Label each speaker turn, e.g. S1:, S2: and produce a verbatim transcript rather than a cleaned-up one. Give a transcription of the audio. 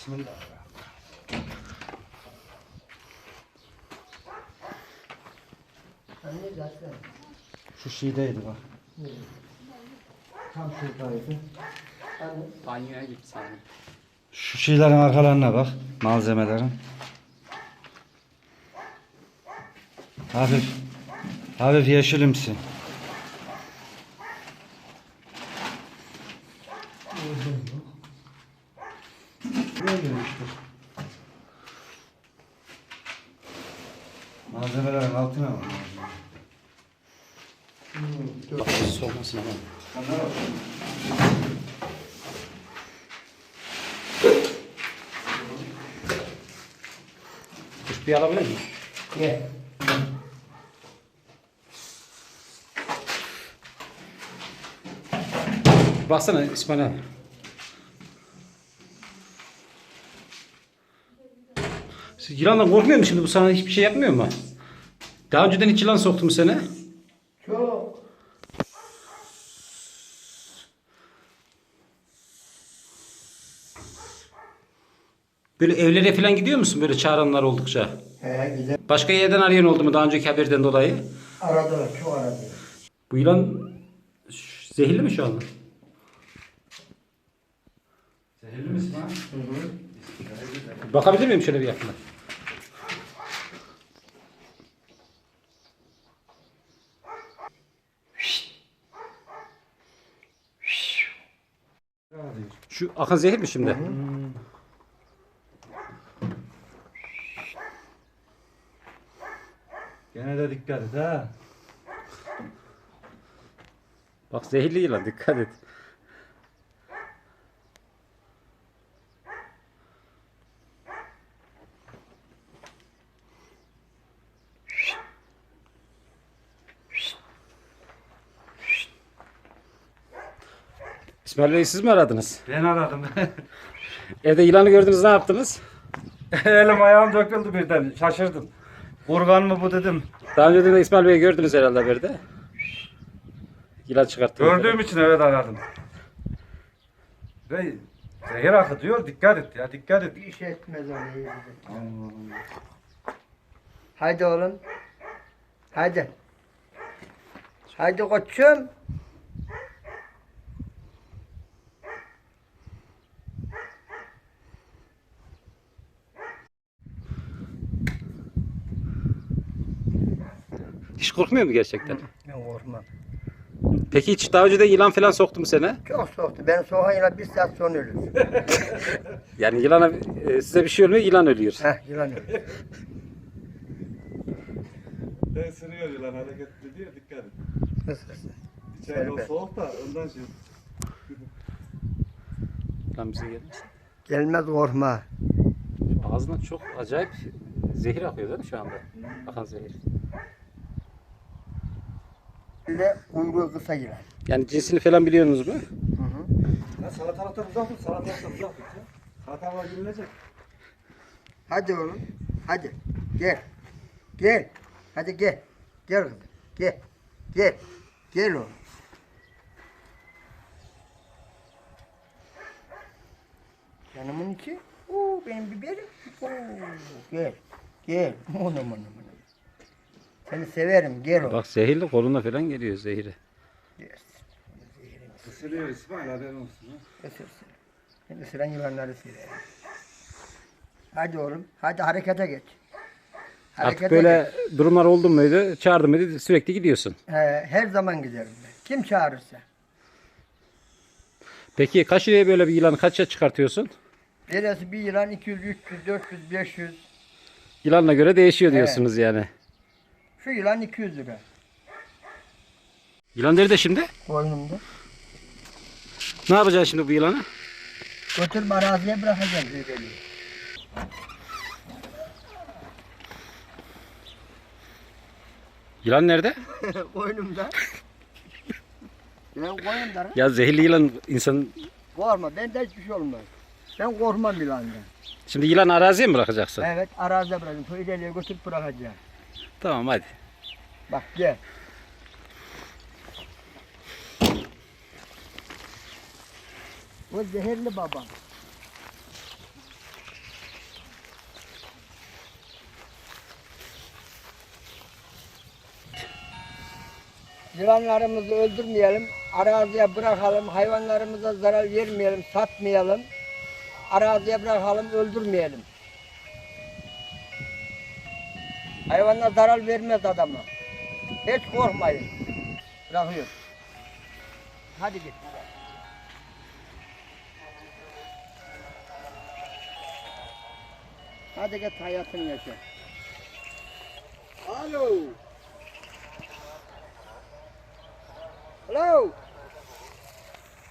S1: Bismillah.
S2: Anne zaten.
S1: Şu şiideydi bak. Tam şuradaydı.
S2: Anne.
S3: Banyoya git sana.
S1: Şu şeylerin arkalarına bak. Malzemelerin. Hafif. Hafif yeşilimsi. Böyle işte. Malzemelerin altına bak.
S3: Bak soğumasın ama.
S1: Onlara bak.
S3: Kuş bir alabilir miyim?
S2: Gel.
S3: Baksana İsmail abi. Siz yılandan korkmuyor musun şimdi? Bu sana hiçbir şey yapmıyor mu? Daha önceden hiç yılan soktu mu seni?
S2: Çok.
S3: Böyle evlere falan gidiyor musun böyle çağıranlar oldukça?
S2: He güzel.
S3: Başka yerden arayan oldu mu daha önceki haberden dolayı?
S2: Aradılar, çok aradılar.
S3: Bu yılan ş- zehirli mi şu anda?
S1: Zehirli misin ha?
S2: Hı hı.
S3: Bakabilir miyim şöyle bir yakına? Şu akan zehir mi şimdi?
S1: Hmm. Gene de dikkat et ha.
S3: Bak zehirli yılan dikkat et. İsmail Bey siz mi aradınız?
S1: Ben aradım.
S3: Evde yılanı gördünüz ne yaptınız?
S1: Elim ayağım döküldü birden. Şaşırdım. Kurgan mı bu dedim.
S3: Daha önce de İsmail Bey'i gördünüz herhalde haberde. Yılan çıkarttınız.
S1: Gördüğüm için evet aradım. Ve zehir akıtıyor. Dikkat et ya. Dikkat et.
S2: Bir şey etmez onu iyi bize.
S1: Allah'ım.
S2: Haydi oğlum. Haydi. Haydi koçum.
S3: Hiç korkmuyor mu gerçekten?
S2: Ben korkmam.
S3: Peki hiç daha önce de yılan falan soktu mu seni?
S2: Çok soğuktu. Ben soğuğun yılan bir saat sonra ölür.
S3: Yani yılana e, size bir şey olmuyor, yılan ölüyor.
S2: Heh yılan ölür.
S1: Ben sürüyor yılan hareketli diyor. Dikkat et.
S2: Hız hız.
S1: İçeride o
S2: Serbest.
S1: soğuk da ondan şey.
S3: Yılan bize gelmesin.
S2: Gelmez korkma.
S3: Ağzından çok acayip zehir akıyor değil mi şu anda? Akan zehir.
S2: Bir de kuyruğu kısa yılan.
S3: Yani cinsini falan biliyorsunuz mu?
S2: Hı hı.
S1: Ya salatalıktan uzak tut. Salatalıktan uzak tut ya. Salatalığa gülünecek.
S2: Hadi oğlum. Hadi. Gel. Gel. Hadi gel. Gel kızım. Gel. Gel. Gel oğlum. Canımın içi. Oo, benim biberim. Oo, gel. Gel. Onu onu onu. Seni severim. Gel oğlum.
S3: Bak zehirli koluna falan geliyor zehri.
S2: Yes.
S1: Isırıyor İsmail haberin olsun. Ha.
S2: Isırsın. Ben ısıran yılanları severim. Hadi oğlum. Hadi harekete geç.
S3: Artık böyle durumlar oldu muydu, çağırdı mıydı sürekli gidiyorsun.
S2: He, her zaman giderim ben. Kim çağırırsa.
S3: Peki kaç liraya böyle bir yılanı kaça çıkartıyorsun?
S2: Neresi bir yılan iki yüz, üç yüz, dört yüz, beş yüz.
S3: Yılanla göre değişiyor diyorsunuz yani.
S2: Şu yılan iki yüz lira.
S3: Yılan nerede şimdi?
S2: Koynumda.
S3: Ne yapacaksın şimdi bu yılanı?
S2: Götürüp araziye bırakacağım düğbeli.
S3: Yılan nerede?
S2: Koynumda. Ben koynumda.
S3: Ya zehirli yılan insan...
S2: Korkma, bende hiçbir şey olmaz. Ben korkmam yılandan.
S3: Şimdi yılan araziye mi bırakacaksın?
S2: Evet, araziye bırakacağım. Köydeliğe götürüp bırakacağım.
S3: Tamam hadi.
S2: Bak gel. O zehirli babam. Yılanlarımızı öldürmeyelim, araziye bırakalım, hayvanlarımıza zarar vermeyelim, satmayalım. Araziye bırakalım, öldürmeyelim. Hayvanlar zarar vermez adama. Hiç korkmayın. Bırakıyor. Hadi git. Hadi git hayatını yaşa. Alo. Alo.